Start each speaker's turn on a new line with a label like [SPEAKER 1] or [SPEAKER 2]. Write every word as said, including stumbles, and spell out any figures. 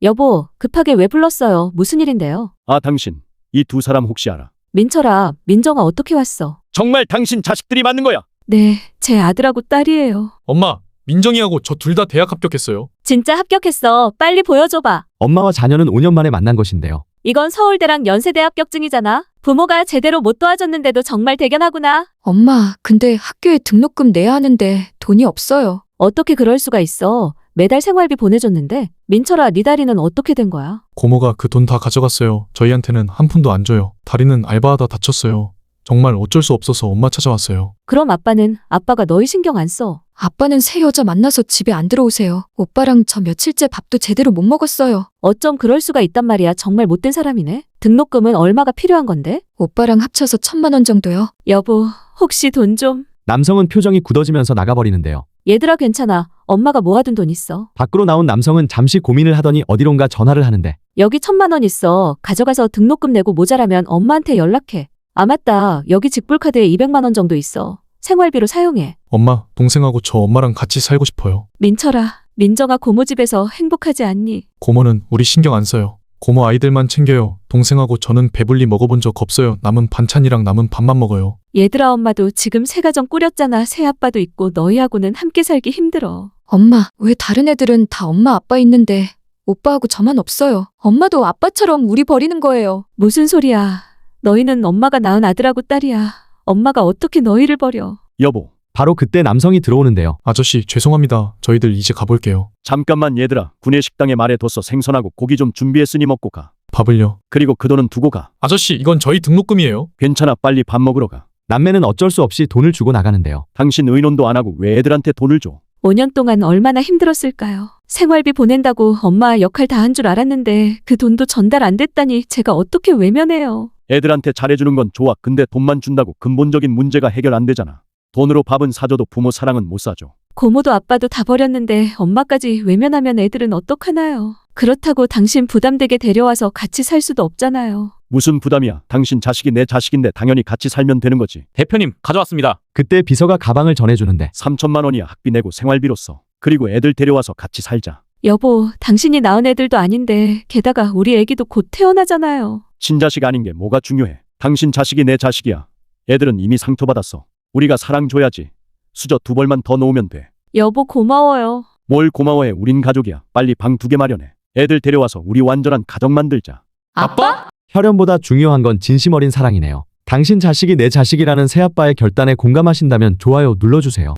[SPEAKER 1] 여보, 급하게 왜 불렀어요? 무슨 일인데요?
[SPEAKER 2] 아, 당신. 이 두 사람 혹시 알아?
[SPEAKER 1] 민철아, 민정아 어떻게 왔어?
[SPEAKER 2] 정말 당신 자식들이 맞는 거야?
[SPEAKER 1] 네, 제 아들하고 딸이에요.
[SPEAKER 3] 엄마, 민정이하고 저 둘 다 대학 합격했어요.
[SPEAKER 1] 진짜 합격했어. 빨리 보여줘봐.
[SPEAKER 4] 엄마와 자녀는 오 년 만에 만난 것인데요.
[SPEAKER 1] 이건 서울대랑 연세대 합격증이잖아. 부모가 제대로 못 도와줬는데도 정말 대견하구나.
[SPEAKER 5] 엄마, 근데 학교에 등록금 내야 하는데 돈이 없어요.
[SPEAKER 1] 어떻게 그럴 수가 있어. 매달 생활비 보내줬는데. 민철아, 네 다리는 어떻게 된 거야?
[SPEAKER 3] 고모가 그 돈 다 가져갔어요. 저희한테는 한 푼도 안 줘요. 다리는 알바하다 다쳤어요. 정말 어쩔 수 없어서 엄마 찾아왔어요.
[SPEAKER 1] 그럼 아빠는? 아빠가 너희 신경 안 써.
[SPEAKER 5] 아빠는 새 여자 만나서 집에 안 들어오세요. 오빠랑 저 며칠째 밥도 제대로 못 먹었어요.
[SPEAKER 1] 어쩜 그럴 수가 있단 말이야. 정말 못된 사람이네. 등록금은 얼마가 필요한 건데?
[SPEAKER 5] 오빠랑 합쳐서 천만 원 정도요.
[SPEAKER 1] 여보, 혹시 돈 좀.
[SPEAKER 4] 남성은 표정이 굳어지면서 나가버리는데요.
[SPEAKER 1] 얘들아, 괜찮아. 엄마가 모아둔 돈 있어.
[SPEAKER 4] 밖으로 나온 남성은 잠시 고민을 하더니 어디론가 전화를 하는데
[SPEAKER 1] 여기 천만 원 있어. 가져가서 등록금 내고 모자라면 엄마한테 연락해. 아, 맞다. 여기 직불카드에 이백만 원 정도 있어. 생활비로 사용해.
[SPEAKER 3] 엄마, 동생하고 저 엄마랑 같이 살고 싶어요.
[SPEAKER 1] 민철아, 민정아 고모 집에서 행복하지 않니?
[SPEAKER 3] 고모는 우리 신경 안 써요. 고모 아이들만 챙겨요. 동생하고 저는 배불리 먹어본 적 없어요. 남은 반찬이랑 남은 밥만 먹어요.
[SPEAKER 1] 얘들아, 엄마도 지금 새 가정 꾸렸잖아. 새 아빠도 있고 너희하고는 함께 살기 힘들어.
[SPEAKER 5] 엄마, 왜 다른 애들은 다 엄마 아빠 있는데 오빠하고 저만 없어요. 엄마도 아빠처럼 우리 버리는 거예요.
[SPEAKER 1] 무슨 소리야. 너희는 엄마가 낳은 아들하고 딸이야. 엄마가 어떻게 너희를 버려.
[SPEAKER 2] 여보,
[SPEAKER 4] 바로 그때 남성이 들어오는데요.
[SPEAKER 3] 아저씨, 죄송합니다. 저희들 이제 가볼게요.
[SPEAKER 2] 잠깐만 얘들아. 구내 식당에 말해뒀어. 생선하고 고기 좀 준비했으니 먹고 가.
[SPEAKER 3] 밥을요?
[SPEAKER 2] 그리고 그 돈은 두고 가.
[SPEAKER 3] 아저씨, 이건 저희 등록금이에요.
[SPEAKER 2] 괜찮아. 빨리 밥 먹으러 가.
[SPEAKER 4] 남매는 어쩔 수 없이 돈을 주고 나가는데요.
[SPEAKER 2] 당신 의논도 안 하고 왜 애들한테 돈을 줘?
[SPEAKER 1] 오 년 동안 얼마나 힘들었을까요? 생활비 보낸다고 엄마 역할 다 한 줄 알았는데 그 돈도 전달 안 됐다니 제가 어떻게 외면해요.
[SPEAKER 2] 애들한테 잘해주는 건 좋아. 근데 돈만 준다고 근본적인 문제가 해결 안 되잖아. 돈으로 밥은 사줘도 부모 사랑은 못 사줘.
[SPEAKER 1] 고모도 아빠도 다 버렸는데 엄마까지 외면하면 애들은 어떡하나요? 그렇다고 당신 부담되게 데려와서 같이 살 수도 없잖아요.
[SPEAKER 2] 무슨 부담이야. 당신 자식이 내 자식인데 당연히 같이 살면 되는 거지.
[SPEAKER 6] 대표님, 가져왔습니다.
[SPEAKER 4] 그때 비서가 가방을 전해주는데
[SPEAKER 2] 삼천만 원이야. 학비 내고 생활비로 써. 그리고 애들 데려와서 같이 살자.
[SPEAKER 1] 여보, 당신이 낳은 애들도 아닌데 게다가 우리 애기도 곧 태어나잖아요.
[SPEAKER 2] 친자식 아닌 게 뭐가 중요해. 당신 자식이 내 자식이야. 애들은 이미 상처받았어. 우리가 사랑 줘야지. 수저 두 벌만 더 놓으면 돼.
[SPEAKER 1] 여보, 고마워요.
[SPEAKER 2] 뭘 고마워해. 우린 가족이야. 빨리 방 두 개 마련해. 애들 데려와서 우리 완전한 가족 만들자.
[SPEAKER 5] 아빠?
[SPEAKER 4] 혈연보다 중요한 건 진심 어린 사랑이네요. 당신 자식이 내 자식이라는 새아빠의 결단에 공감하신다면 좋아요 눌러주세요.